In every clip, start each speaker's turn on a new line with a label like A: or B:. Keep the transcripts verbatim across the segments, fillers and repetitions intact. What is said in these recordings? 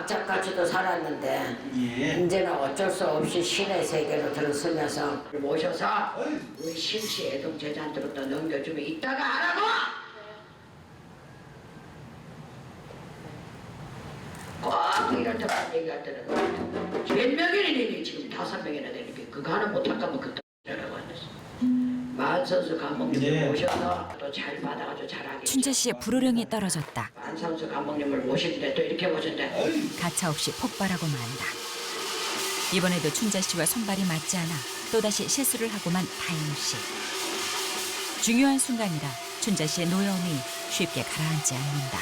A: 악착같이도 살았는데
B: 예.
A: 이제는 어쩔 수 없이 신의 세계로 들어서면서 모셔서 우리 신씨 애동 제자한테로 또 넘겨주면 이따가 하라고! 꼭 이럴 때만 얘기할 때는 몇 명이나 되니 지금 다섯 명이나 되니까 그거 하나 못할 거면 그때 라고 안 했어. 만선수 감독님을
B: 네.
A: 모셔서 또 잘 받아가지고 잘하게.
C: 춘자 씨의 불호령이 떨어졌다.
A: 만선수 감독님을 모시는데 또 이렇게 모신대.
C: 가차없이 폭발하고 만다. 이번에도 춘자 씨와 손발이 맞지 않아 또다시 실수를 하고만 다영 씨. 중요한 순간이라 춘자 씨의 노여움이 쉽게 가라앉지 않는다.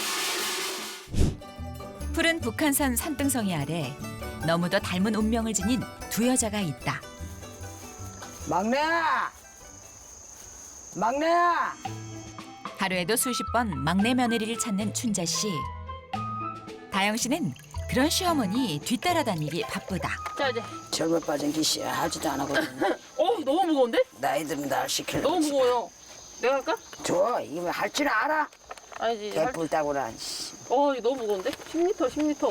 C: 푸른 북한산 산등성이 아래 너무도 닮은 운명을 지닌 두 여자가 있다.
A: 막내야! 막내야!
C: 하루에도 수십 번 막내 며느리를 찾는 춘자 씨. 다영 씨는 그런 시어머니 뒤따라다니기 바쁘다.
D: 자 이제.
A: 젊어 빠진 기씨야 하지도 안 하거든.
D: 어 너무 무거운데?
A: 나이 들면 날 시키려고.
D: 너무 무거워요. 내가 할까?
A: 좋아 이거 할 줄 알아?
D: 아니지. 할...
A: 개뿔 따구라.
D: 어 이거 너무 무거운데? 십 리터 십 리터.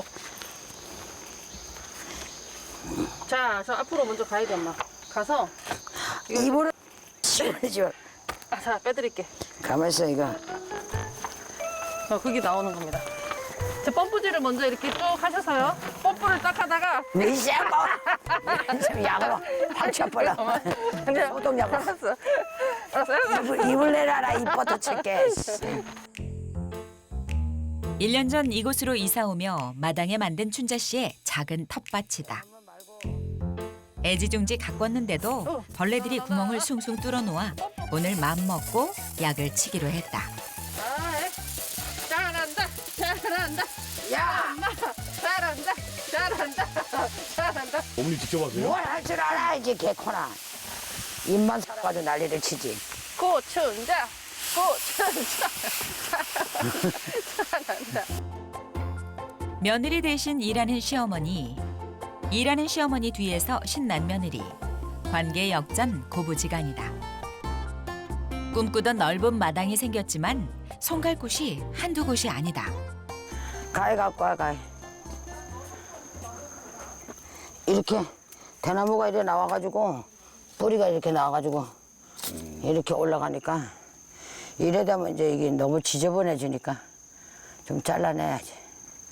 D: 자, 저 앞으로 먼저 가야 돼 엄마. 가서 이거...
A: 입으로 시원해져.
D: 아, 자 빼드릴게.
A: 가만 있어 이거.
D: 어, 그게 나오는 겁니다. 저 펌프질을 먼저 이렇게 쭉 하셔서요. 펌프를 딱 하다가
A: 미샤 뭐? 좀 약으로 확 쳐버려.
D: 근데
A: 소독약으로.
D: 알았어. 알았어. 알았어.
A: 입을, 입을 내놔라 입부터 칠게.
C: 일 년 전 이곳으로 이사 오며 마당에 만든 춘자 씨의 작은 텃밭이다. 애지중지 가꿨는데도 벌레들이 구멍을 숭숭 뚫어놓아 오늘 맘먹고 약을 치기로 했다.
D: 아이, 잘한다. 잘한다.
A: 야!
D: 엄마 잘한다. 잘한다. 잘한다.
E: 어머니 직접 하세요?
A: 뭘 할 줄 알아 이제 개코나. 입만 살아가지고 난리를 치지.
D: 고춘자. 고춘자. 잘한다.
C: 며느리 대신 일하는 시어머니. 일하는 시어머니 뒤에서 신난 며느리. 관계 역전 고부지간이다. 꿈꾸던 넓은 마당이 생겼지만 손 갈 곳이 한두 곳이 아니다.
A: 가위 갖고 와 가위. 이렇게 대나무가 이렇게 나와가지고 뿌리가 이렇게 나와가지고 이렇게 올라가니까 이래 되면 이제 이게 너무 지저분해지니까 좀 잘라내야지.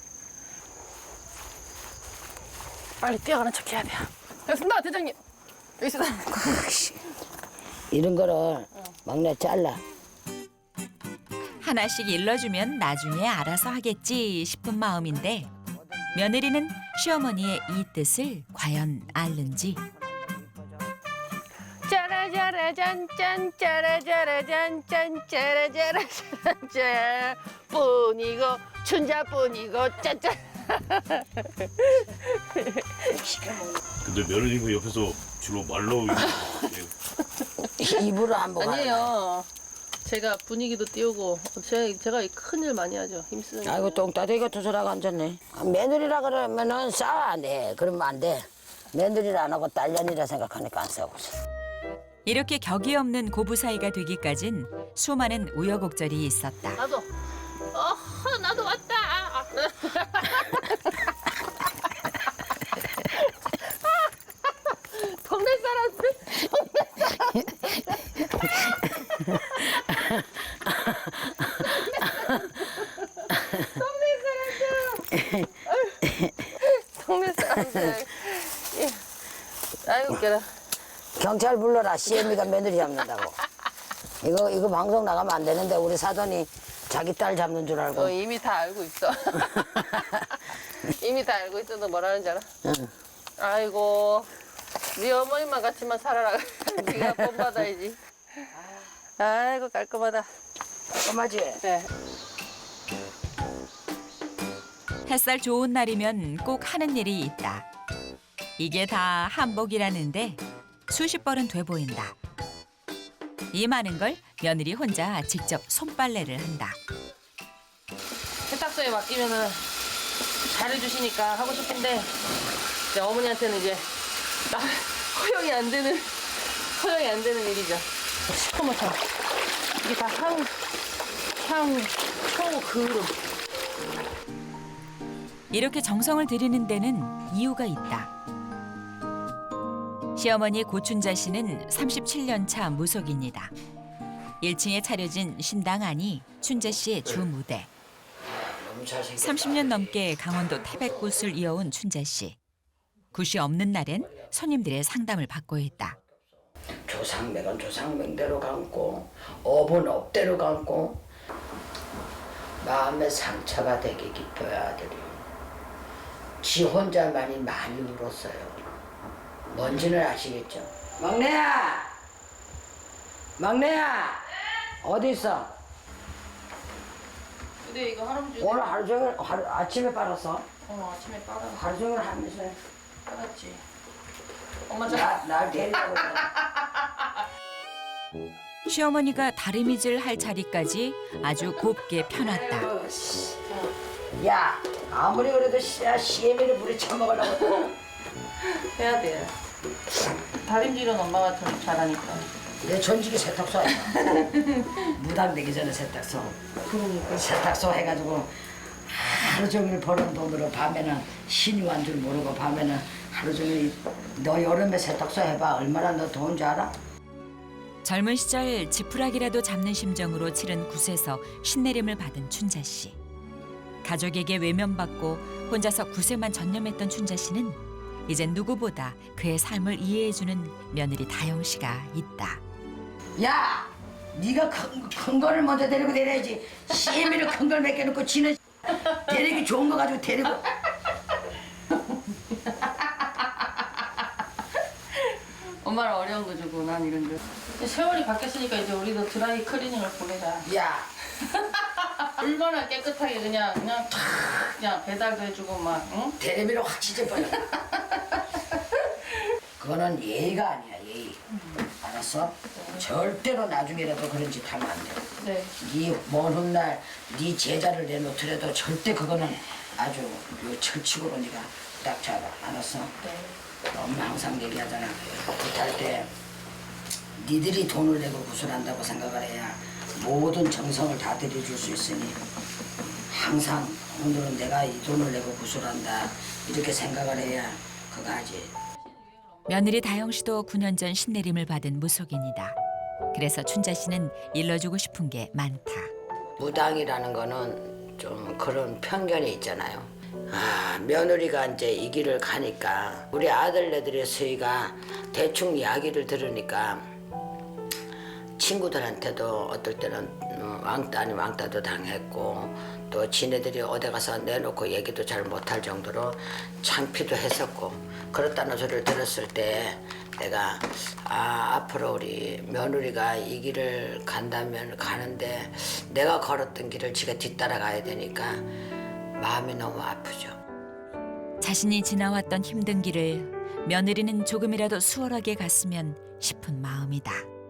D: 빨리 뛰어가는 척 해야 돼요. 됐습니다, 대장님. 여기 있어.
A: 이런 거를 막내 잘라.
C: 하나씩 일러주면 나중에 알아서 하겠지 싶은 마음인데 며느리는 시어머니의 이 뜻을 과연 알는지.
D: 짜라짜라 짠짠 짜라짜라 짠짠 짜라짜라 짠짠 뿐이고 춘자뿐이고 짠짠.
E: 근데 며느리가 옆에서 주로 말로
A: 입으로 한번
D: 아니에요. 제가 분위기도 띄우고 제가, 제가 큰일 많이 하죠. 힘쓰는
A: 아이고 똥따대기 같은 소리가 앉았네. 며느리라 그러면은 싸워 안 해. 그러면 안 돼. 며느리를 안 하고 딸년이라 생각하니까 안 싸우고 있어.
C: 이렇게 격이 없는 고부 사이가 되기까진 수많은 우여곡절이 있었다.
D: 나도 어 나도 왔다. 동네 사람들 동네 사람들 동네 사람들 아이고 웃겨라.
A: 경찰 불러라. 씨엠이가 며느리 잡는다고. 이거 이거 방송 나가면 안 되는데 우리 사돈이 자기 딸 잡는 줄 알고.
D: 어, 이미 다 알고 있어. 이미 다 알고 있어도 뭐라는지 알아?
A: 응.
D: 아이고 네 어머니만 같이만 살아라. 네가 본 받아야지. 아이고 깔끔하다.
A: 깔끔하지?
D: 네.
C: 햇살 좋은 날이면 꼭 하는 일이 있다. 이게 다 한복이라는데 수십 벌은 돼 보인다. 이 많은 걸 며느리 혼자 직접 손빨래를 한다.
D: 세탁소에 맡기면은 잘해주시니까 하고 싶은데 이제 어머니한테는 이제 나 허용이 안 되는 허용이 안 되는 일이죠. 어머 참 이게 다 향, 향, 초, 그릇.
C: 이렇게 정성을 들이는 데는 이유가 있다. 시어머니 고춘자 씨는 삼십칠 년 차 무속입니다. 일 층에 차려진 신당 안이 춘자 씨의 주 무대.
A: 너무 잘생겼다.
C: 삼십 년 넘게 강원도 태백굿을 이어온 춘자 씨. 굿이 없는 날엔 손님들의 상담을 받고 있다.
A: 조상맥은 조상맥대로 감고 업은 업대로 감고 마음의 상처가 되게 깊어요 아들이. 지 혼자만이 많이 울었어요. 뭔지는 아시겠죠? 막내야! 막내야! 어디 있어?
D: 근데 이거 할아버지
A: 오늘 하루 종일 하루, 아침에 빨았어?
D: 오늘 아침에 빨아
A: 하루 종일 하면서
D: 빨았지. 엄마
A: 나, 날 데리라고 그래.
C: 시어머니가 다리미질 할 자리까지 아주 곱게 펴놨다.
A: 아이고, 씨. 야 아무리 그래도 씨야 시애미를 물에 처먹으려고
D: 해야 돼. 다림질은 엄마가 좀 잘하니까.
A: 내 전직이 세탁소 아니야. 무당되기 전에 세탁소.
D: 그러니까.
A: 세탁소 해가지고 하루 종일 버는 돈으로 밤에는 신유한 줄 모르고 밤에는 하루 종일 너 여름에 세탁소 해봐 얼마나 너 더운 줄 알아?
C: 젊은 시절 지푸라기라도 잡는 심정으로 치른 굿에서 신내림을 받은 춘자 씨. 가족에게 외면받고 혼자서 굿에만 전념했던 춘자 씨는 이젠 누구보다 그의 삶을 이해해주는 며느리 다영 씨가 있다.
A: 야! 네가 큰, 큰 거를 먼저 데리고 내려야지. 시애미를 큰 걸 맡겨놓고 지는 데리기 좋은 거 가지고 데리고.
D: 엄마는 어려운 거 주고 난 이런 거. 근데 세월이 바뀌었으니까 이제 우리도 드라이 클리닝을 보내자.
A: 야!
D: 얼마나 깨끗하게 그냥 그냥 탁 그냥 배달도 해주고 막 응?
A: 테레비로 확 찢어버려. 그거는 예의가 아니야 예의. 알았어? 절대로 나중에라도 그런 짓 하면 안 돼.
D: 네.
A: 네먼 훗날 네 제자를 내놓더라도 절대 그거는 아주 요 철칙으로 네가 딱 잡아. 알았어?
D: 네.
A: 엄마 항상 얘기하잖아. 굿할 때 니들이 돈을 내고 구슬한다고 생각을 해야 모든 정성을 다 들여줄 수 있으니 항상 오늘은 내가 이 돈을 내고 구슬한다 이렇게 생각을 해야 그거 하지.
C: 며느리 다영 씨도 구 년 전 신내림을 받은 무속인이다. 그래서 춘자 씨는 일러주고 싶은 게 많다.
A: 무당이라는 거는 좀 그런 편견이 있잖아요. 아, 며느리가 이제 이 길을 가니까 우리 아들네들의 수희가 대충 이야기를 들으니까 친구들한테도 어떨 때는 왕따 아닌 왕따도 당했고 또 지네들이 어디 가서 내놓고 얘기도 잘 못할 정도로 창피도 했었고 그렇다는 소리를 들었을 때 내가 아 앞으로 우리 며느리가 이 길을 간다면 가는데 내가 걸었던 길을 지가 뒤따라가야 되니까 마음이 너무 아프죠.
C: 자신이 지나왔던 힘든 길을 며느리는 조금이라도 수월하게 갔으면 싶은 마음이다.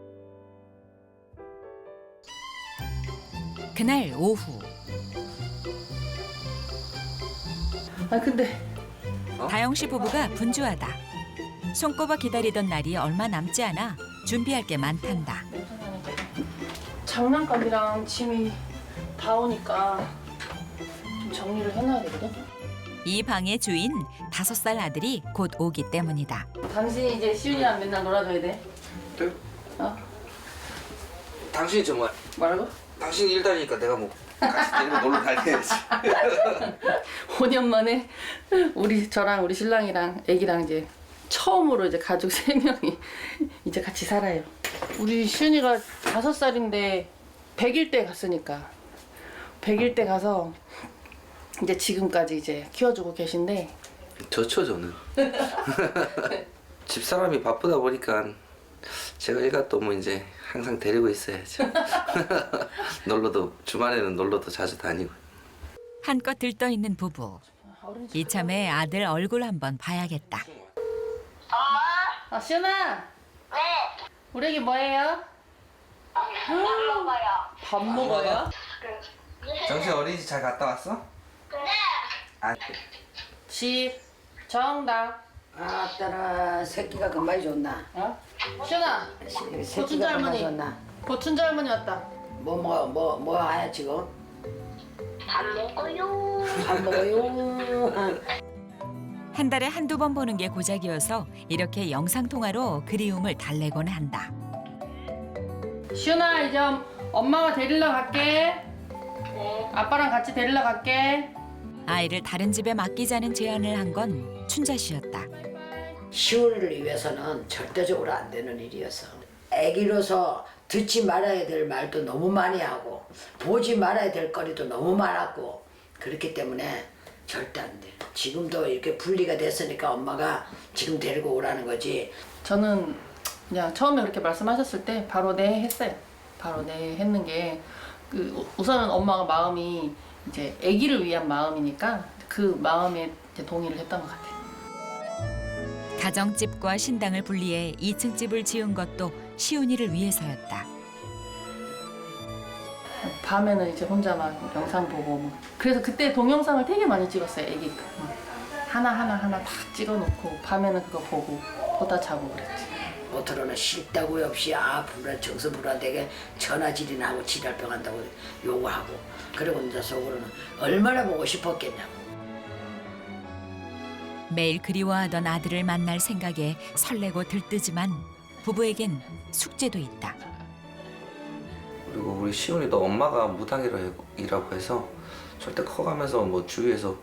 C: 그날 오후
D: 아 근데
C: 다영 씨 부부가 분주하다. 손꼽아 기다리던 날이 얼마 남지 않아 준비할 게 많단다.
D: 장난감이랑 짐이 다 오니까 좀 정리를 해놔야 되거든.
C: 이 방의 주인 다섯 살 아들이 곧 오기 때문이다.
D: 당신이 이제 시윤이랑 맨날 놀아줘야 돼.
B: 네?
D: 어?
B: 당신이 정말
D: 뭐라고?
B: 당신이 일다니까 내가 뭐 같이 데리고 놀러 다녀야지.
D: 오 년 만에 우리 저랑 우리 신랑이랑 애기랑 이제 처음으로 이제 가족 세 명이 이제 같이 살아요. 우리 시윤이가 다섯 살인데 백 일 때 갔으니까 백 일 때 가서 이제 지금까지 이제 키워주고 계신데
B: 좋죠 저는. 집사람이 바쁘다 보니까 제가 일가 또 뭐 이제 항상 데리고 있어야죠. 놀러도 주말에는 놀러도 자주 다니고.
C: 한껏 들떠 있는 부부. 이참에 아들 얼굴 한번 봐야겠다.
D: 아 시윤아.
F: 네,
D: 우리 애기 뭐예요?
F: 밥 먹어요.
D: 밥 먹어요?
B: 정신 어린이집 잘 갔다 왔어?
F: 네.
B: 아,
D: 집 정답.
A: 아따라 새끼가 금방 좋나?
D: 어? 시윤아.
A: 시-
D: 고춘자
A: 새끼가 금방
D: 할머니.
A: 좋나?
D: 고춘자 할머니 왔다.
A: 뭐 뭐 뭐 뭐 하야 지금?
F: 밥 밥 먹어요.
A: 밥 먹어요.
C: 한 달에 한두 번 보는 게 고작이어서 이렇게 영상통화로 그리움을 달래곤 한다.
D: 시윤아 이제 엄마가 데리러 갈게.
F: 네.
D: 아빠랑 같이 데리러 갈게.
C: 아이를 다른 집에 맡기자는 제안을 한 건 춘자 씨였다.
A: 시온이를 위해서는 절대적으로 안 되는 일이어서 애기로서 듣지 말아야 될 말도 너무 많이 하고 보지 말아야 될 거리도 너무 많았고 그렇기 때문에 절대 안 돼. 지금도 이렇게 분리가 됐으니까 엄마가 지금 데리고 오라는 거지.
D: 저는 그냥 처음에 그렇게 말씀하셨을 때 바로 네 했어요. 바로 네 했는 게 그 우선은 엄마가 마음이 이제 아기를 위한 마음이니까 그 마음에 이제 동의를 했던 것 같아요.
C: 가정집과 신당을 분리해 이 층 집을 지은 것도 시온이를 위해서였다.
D: 밤에는 이제 혼자만 영상 보고 뭐. 그래서 그때 동영상을 되게 많이 찍었어요. 아기 거. 하나 하나 하나 다 찍어놓고 밤에는 그거 보고 보다 자고 그랬지.
A: 겉으로는 싫다고 없이 아 불안 정서불안되게 전화질이나 하고 지랄병 한다고 요구하고 그리고 이제 속으로는 얼마나 보고 싶었겠냐고.
C: 매일 그리워하던 아들을 만날 생각에 설레고 들뜨지만 부부에겐 숙제도 있다.
B: 그리고 우리 시온이도 엄마가 무당이라고 해서 절대 커가면서 뭐 주위에서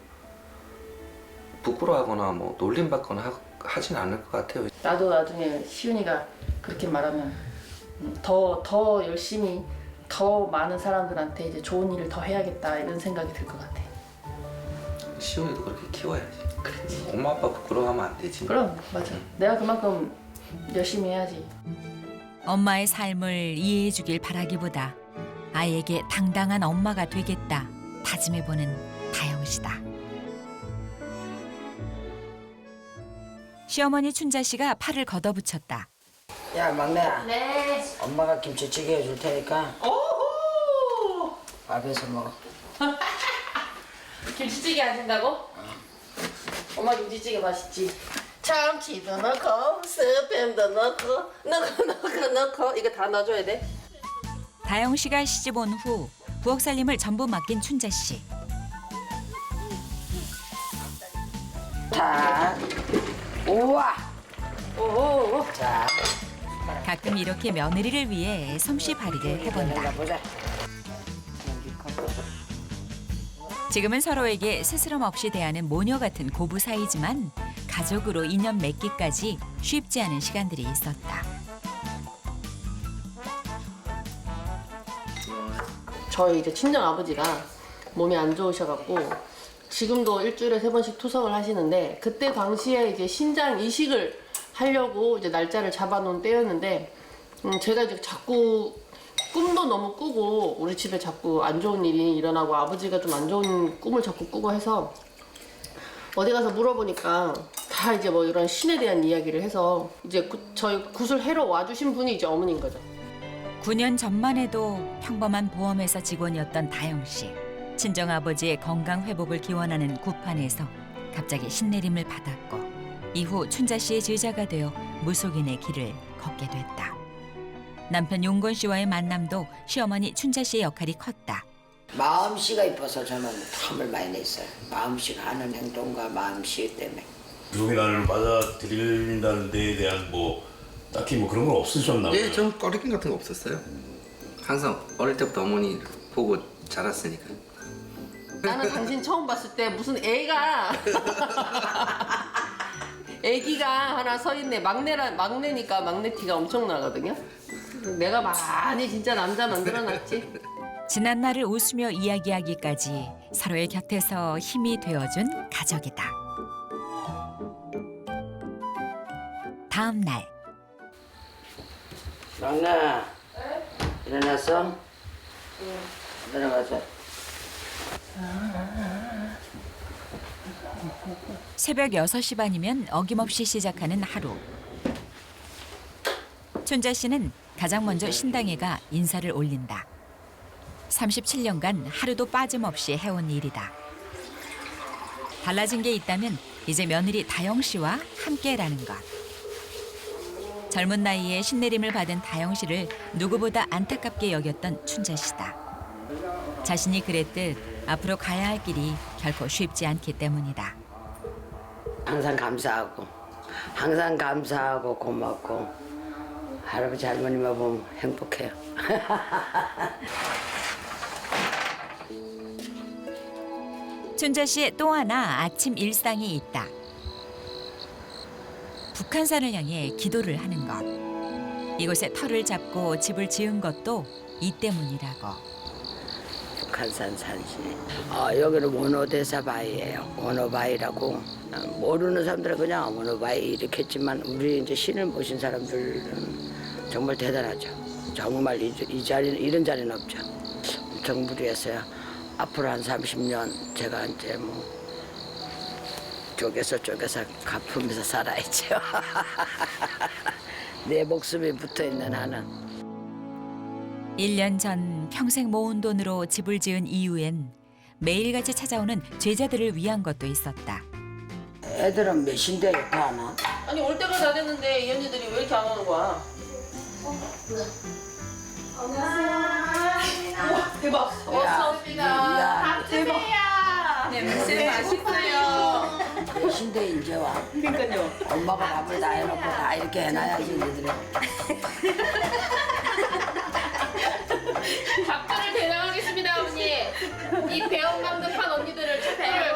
B: 부끄러워하거나 뭐 놀림받거나 하, 하진 않을 것 같아요.
D: 나도 나중에 시윤이가 그렇게 말하면 더, 더 열심히 더 많은 사람들한테 이제 좋은 일을 더 해야겠다 이런 생각이 들 것 같아.
B: 시온이도 그렇게 키워야지. 그렇지. 엄마 아빠 부끄러워하면 안 되지.
D: 그럼 맞아. 내가 그만큼 열심히 해야지.
C: 엄마의 삶을 이해해 주길 바라기보다 아이에게 당당한 엄마가 되겠다 다짐해보는 다영 씨다. 시어머니 춘자 씨가 팔을 걷어붙였다.
A: 야 막내야.
D: 네.
A: 엄마가 김치찌개 해줄 테니까
D: 오호!
A: 밥에서 먹어.
D: 김치찌개 하신다고? 엄마 김치찌개 맛있지? 참치도 넣고 스팸도 넣고 넣고 넣고 넣고 이거 다 넣어줘야 돼?
C: 다영 씨가 시집 온 후 부엌 살림을 전부 맡긴 춘자 씨.
A: 자, 우와.
D: 오호.
A: 자,
C: 가끔 이렇게 며느리를 위해 솜씨 발휘를 해본다.
A: 보자.
C: 지금은 서로에게 스스럼 없이 대하는 모녀 같은 고부 사이지만 가족으로 인연 맺기까지 쉽지 않은 시간들이 있었다.
D: 저희 이제 친정 아버지가 몸이 안 좋으셔갖고 지금도 일주일에 세 번씩 투석을 하시는데 그때 당시에 이제 신장 이식을 하려고 이제 날짜를 잡아놓은 때였는데 음 제가 이제 자꾸 꿈도 너무 꾸고 우리 집에 자꾸 안 좋은 일이 일어나고 아버지가 좀 안 좋은 꿈을 자꾸 꾸고 해서 어디 가서 물어보니까 다 이제 뭐 이런 신에 대한 이야기를 해서 이제 구, 저희 굿을 해러 와주신 분이 이제 어머니인 거죠.
C: 구 년 전만 해도 평범한 보험회사 직원이었던 다영 씨. 친정아버지의 건강 회복을 기원하는 굿판에서 갑자기 신내림을 받았고 이후 춘자 씨의 제자가 되어 무속인의 길을 걷게 됐다. 남편 용건 씨와의 만남도 시어머니 춘자 씨의 역할이 컸다.
A: 마음씨가 이뻐서 저는 탐을 많이 냈어요. 마음씨가 하는 행동과 마음씨 때문에.
E: 무속인 나를 받아들인다는 데에 대한 뭐 딱히 뭐 그런 건 없으셨나 봐요.
B: 예, 좀 꺼리낌 같은 거 없었어요. 항상 어릴 때부터 어머니 보고 자랐으니까.
D: 나는 당신 처음 봤을 때 무슨 애가 애기가 하나 서 있네. 막내라 막내니까 막내 티가 엄청 나거든요. 내가 많이 진짜 남자 만들어놨지.
C: 지난 날을 웃으며 이야기하기까지 서로의 곁에서 힘이 되어준 가족이다. 다음 날
A: 막내, 일어났어? 응. 내려가자.
C: 새벽 여섯 시 반이면 어김없이 시작하는 하루. 춘자 씨는 가장 먼저 신당에 가 인사를 올린다. 삼십칠 년간 하루도 빠짐없이 해온 일이다. 달라진 게 있다면 이제 며느리 다영 씨와 함께라는 것. 젊은 나이에 신내림을 받은 다영 씨를 누구보다 안타깝게 여겼던 춘자 씨다. 자신이 그랬듯 앞으로 가야 할 길이 결코 쉽지 않기 때문이다.
A: 항상 감사하고 항상 감사하고 고맙고 할아버지 할머니만 보면 행복해요.
C: 춘자 씨의 또 하나 아침 일상이 있다. 북한산을 향해 기도를 하는 것. 이곳에 터를 잡고 집을 지은 것도 이 때문이라고.
A: 북한산 산시. 어, 여기는 원호대사 바위예요. 원호바위라고. 모르는 사람들은 그냥 원호바위 이렇게 했지만 우리 이제 신을 모신 사람들은 정말 대단하죠. 정말 이, 이 자리는 이런 자리는 없죠. 엄청 무리했어요. 앞으로 한 삼십 년 제가 이제 뭐 쪼개서 쪼개서 갚으면서 살아야죠. 내 목숨이 붙어있는 한은.
C: 일 년 전 평생 모은 돈으로 집을 지은 이후엔 매일같이 찾아오는 제자들을 위한 것도 있었다.
A: 애들은 몇인데 이렇게 하나?
D: 아니 올 때가 다 됐는데 이 언니들이 왜 이렇게 안 오는 거야? 우와 대박. 어서 옵니다.
A: 대박.
D: 냄새 맛있어요.
A: 몇인데 이제 와.
D: 그러니까요.
A: 엄마가 밥을 다 해놓고 다 이렇게 해놔야지 얘들이.
F: 밥들을 대장하겠습니다, 어머니. 이 배엄감급한 언니들을 축하해요.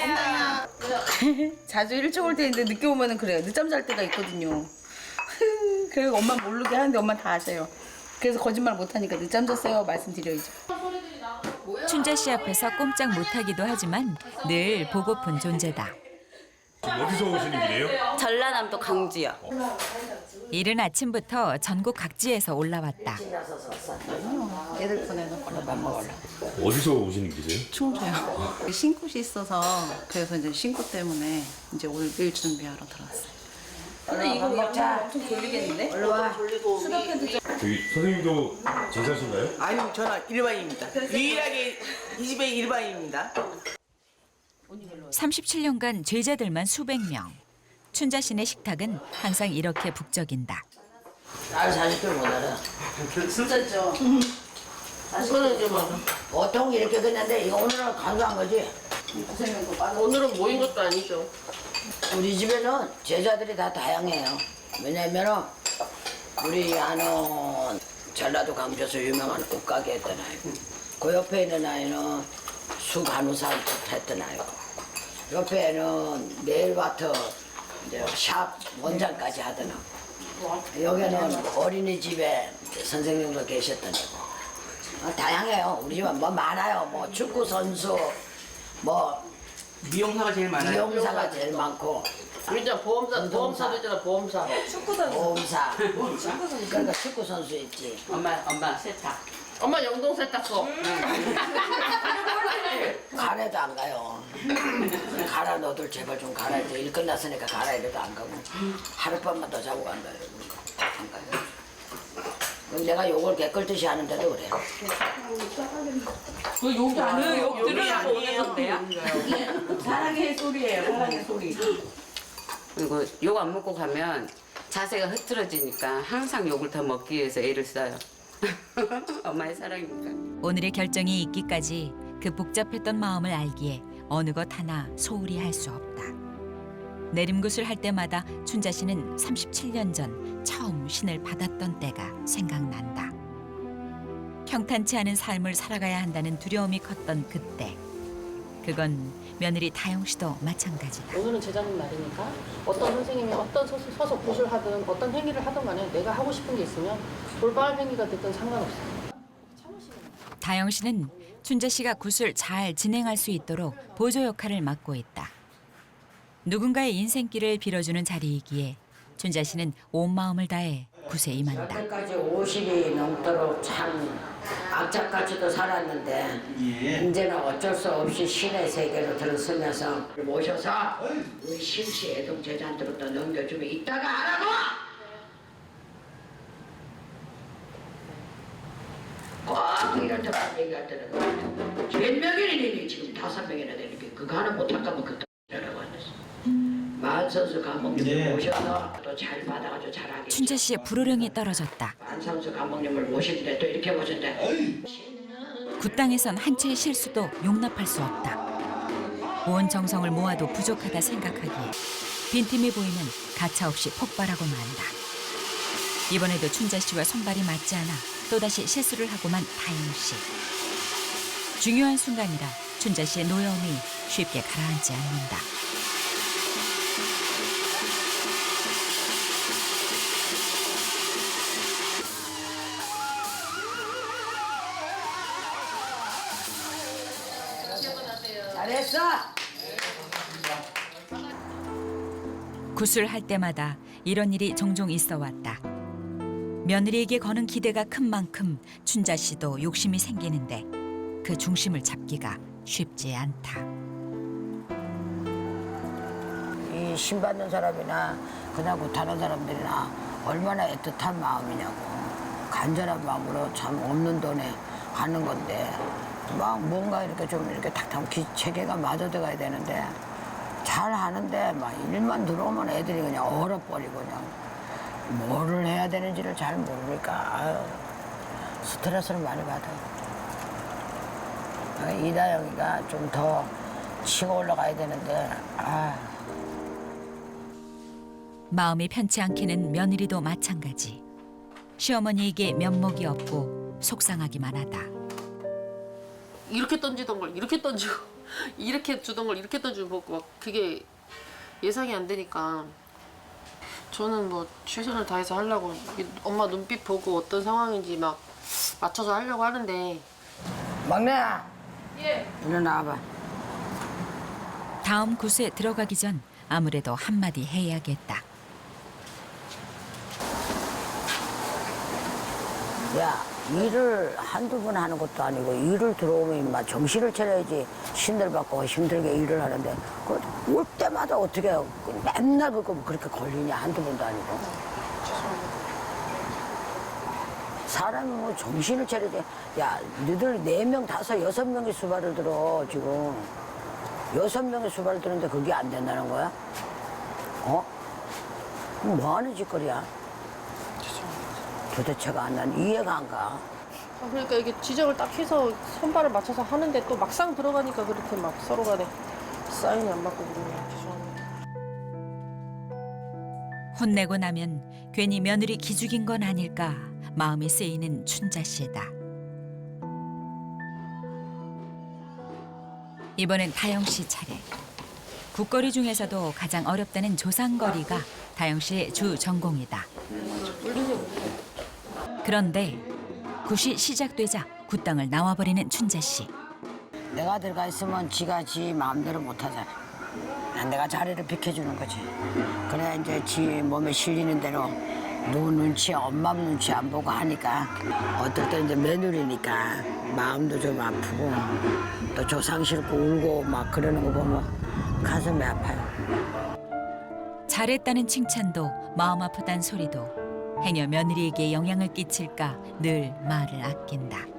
G: 자주 일찍 올 때 있는데 늦게 오면은 그래요. 늦잠 잘 때가 있거든요. 그리고 엄마 모르게 하는데 엄마 다 아세요. 그래서 거짓말 못 하니까 늦잠 잤어요 말씀드려야죠.
C: 춘자 씨 앞에서 꼼짝 못하기도 하지만 늘 보고픈 존재다.
E: 어디서 오시는 길이에요?
G: 전라남도 강주요.
C: 이른 아침부터 전국 각지에서 올라왔다.
G: 애들 보내놓고
A: 밥 먹을래.
E: 어디서 오시는 길이에요?
G: 충주요. 신굿이 있어서 그래서 이제 신굿 때문에 이제 오늘 일 준비하러 들어왔어요. 근데 이거
A: 먹자.
G: 엄청 졸리겠는데?
E: 저기 선생님도 제자신가요?
H: 아니요, 저는 일반인입니다. 유일하게 이 집의 일반인입니다.
C: 삼십칠 년간 제자들만 수백 명. 춘자 씨네 식탁은 항상 이렇게 북적인다.
A: 날 사실 줄 못 알아.
G: 진짜죠?
D: 이거는 이제 뭐
A: 보통 이렇게 그랬는데 이거 오늘은 간소한 거지.
D: 오늘은 모인 것도 아니죠.
A: 우리 집에는 제자들이 다 다양해요. 왜냐면은 우리 아는 전라도 강주에서 유명한 옷가게 했던 아이고, 그 옆에 있는 아이는 수간호사 했던 아이고, 옆에는 네일바터 이제 샵 원장까지 하던 아이고, 여기는 어린이집에 선생님도 계셨던 아이고. 어, 다양해요. 우리 집은 뭐 많아요. 뭐 축구 선수, 뭐
H: 미용사가 제일 많아요.
A: 미용사가 제일 많고.
D: 우리잖아 보험사 보험사도 있잖아 보험사.
A: 보험사. 그러니까 축구 선수 있지.
H: 엄마, 엄마 세탁.
D: 엄마 영동 세탁소.
A: 가래도 안 가요. 가라 너들 제발 좀 가라. 이제 일 끝났으니까 가라 이래도 안 가고 하룻밤만 더 자고 간다 이러고 안 가요. 그럼 내가 욕을 개끌듯이 하는데도 그래.
D: 그 욕이 아니에요. 욕
H: 욕이
D: 들으라고
H: 아니에요.
D: 오는 건데요.
H: 사랑의 소리예요, 사랑의 소리.
I: 그리고 욕 안 먹고 가면 자세가 흐트러지니까 항상 욕을 더 먹기 위해서 애를 써요. 엄마의 사랑이니까.
C: 오늘의 결정이 있기까지 그 복잡했던 마음을 알기에 어느 것 하나 소홀히 할 수 없다. 내림굿을 할 때마다 춘자 씨는 삼십칠 년 전 처음 신을 받았던 때가 생각난다. 평탄치 않은 삶을 살아가야 한다는 두려움이 컸던 그때. 그건 며느리 다영 씨도 마찬가지다.
D: 오늘은 제자님 날이니까 어떤 선생님이 어떤 서, 서서 굿을 하든 어떤 행위를 하든 간에 내가 하고 싶은 게 있으면 돌발 행위가 됐든 상관없어요.
C: 다영 씨는 춘자 씨가 굿을 잘 진행할 수 있도록 보조 역할을 맡고 있다. 누군가의 인생길을 빌어주는 자리이기에 춘자 씨는 온 마음을 다해 굿에 임한다.
A: 여태까지 오십이 넘도록 참 악착같이도 살았는데 이제는 어쩔 수 없이 신의 세계로 들어서면서 모셔서 우리 신씨 애동 제자한테로 넘겨주면 이따가 하라고! 꼭 이런 데만 얘기할 때는 몇 명이니 지금 다섯 명이나 되니까 그거 하나 못할 거면 그때 라고 하셨어. 만선수 감독님을 모셔서 또 잘 받아가지고 잘하게.
C: 춘자 씨의 불호령이 떨어졌다.
A: 안상수 감독님을 모시는데 또 이렇게 모셨는데
C: 굿당에선 한 채의 실수도 용납할 수 없다. 온 정성을 모아도 부족하다 생각하기에 빈틈이 보이면 가차없이 폭발하고 만다. 이번에도 춘자 씨와 손발이 맞지 않아 또다시 실수를 하고 만 다영 씨. 중요한 순간이라 춘자 씨의 노여움이 쉽게 가라앉지 않는다.
A: 잘했어.
C: 굿을 할 때마다 이런 일이 종종 있어 왔다. 며느리에게 거는 기대가 큰 만큼 춘자 씨도 욕심이 생기는데 그 중심을 잡기가 쉽지 않다.
A: 이 신받는 사람이나 그냥 못하는 사람들이나 얼마나 애틋한 마음이냐고. 간절한 마음으로 참 없는 돈에 하는 건데 막 뭔가 이렇게 좀 이렇게 탁탁 기 체계가 맞아들어가야 되는데 잘 하는데 막 일만 들어오면 애들이 그냥 얼어버리고 그냥 뭐를 해야 되는지를 잘 모르니까 아유, 스트레스를 많이 받아요. 이다영이가 좀 더 치고 올라가야 되는데 아.
C: 마음이 편치 않게는 며느리도 마찬가지. 시어머니에게 면목이 없고 속상하기만 하다.
D: 이렇게 던지던 걸 이렇게 던지고 이렇게 주던 걸 이렇게 던지고 막 그게 예상이 안 되니까 저는 뭐 최선을 다해서 하려고 엄마 눈빛 보고 어떤 상황인지 막 맞춰서 하려고 하는데
A: 막내야. 예. 일로 나와봐.
C: 다음 굿에 들어가기 전 아무래도 한마디 해야겠다.
A: 야, 일을 한두 번 하는 것도 아니고 일을 들어오면 인마 정신을 차려야지 신들 받고 힘들게 일을 하는데 그 올 때마다 어떻게 맨날 그거 그렇게 걸리냐 한두 번도 아니고. 사람이 뭐 정신을 차려야지. 야, 너희들 네 명, 다섯, 여섯 명이 수발을 들어 지금. 여섯 명이 수발을 드는데 그게 안 된다는 거야? 어? 뭐 하는 짓거리야? 도대체가 안 난 이해가 안 가.
D: 아, 그러니까 이게 지적을 딱 해서 손발을 맞춰서 하는데 또 막상 들어가니까 그렇게 막 서로 간에 사인이 안 맞고 그러네요. 죄송합니다.
C: 혼내고 나면 괜히 며느리 기죽인 건 아닐까 마음이 쓰이는 춘자 씨다. 이번엔 다영 씨 차례. 국거리 중에서도 가장 어렵다는 조상거리가 다영 씨의 주 전공이다. 그런데 굿이 시작되자 굿당을 나와버리는 춘자 씨.
A: 내가 들어가 있으면 지가 지 마음대로 못 하잖아. 내가 자리를 비켜주는 거지. 그래야 이제 지 몸에 실리는 대로 누구 눈치, 엄마 눈치 안 보고 하니까 어떨 때 이제 며느리니까 마음도 좀 아프고 또 조상 싫고 울고 막 그러는 거 보면 가슴이 아파요.
C: 잘했다는 칭찬도 마음 아프단 소리도 행여 며느리에게 영향을 끼칠까 늘 말을 아낀다.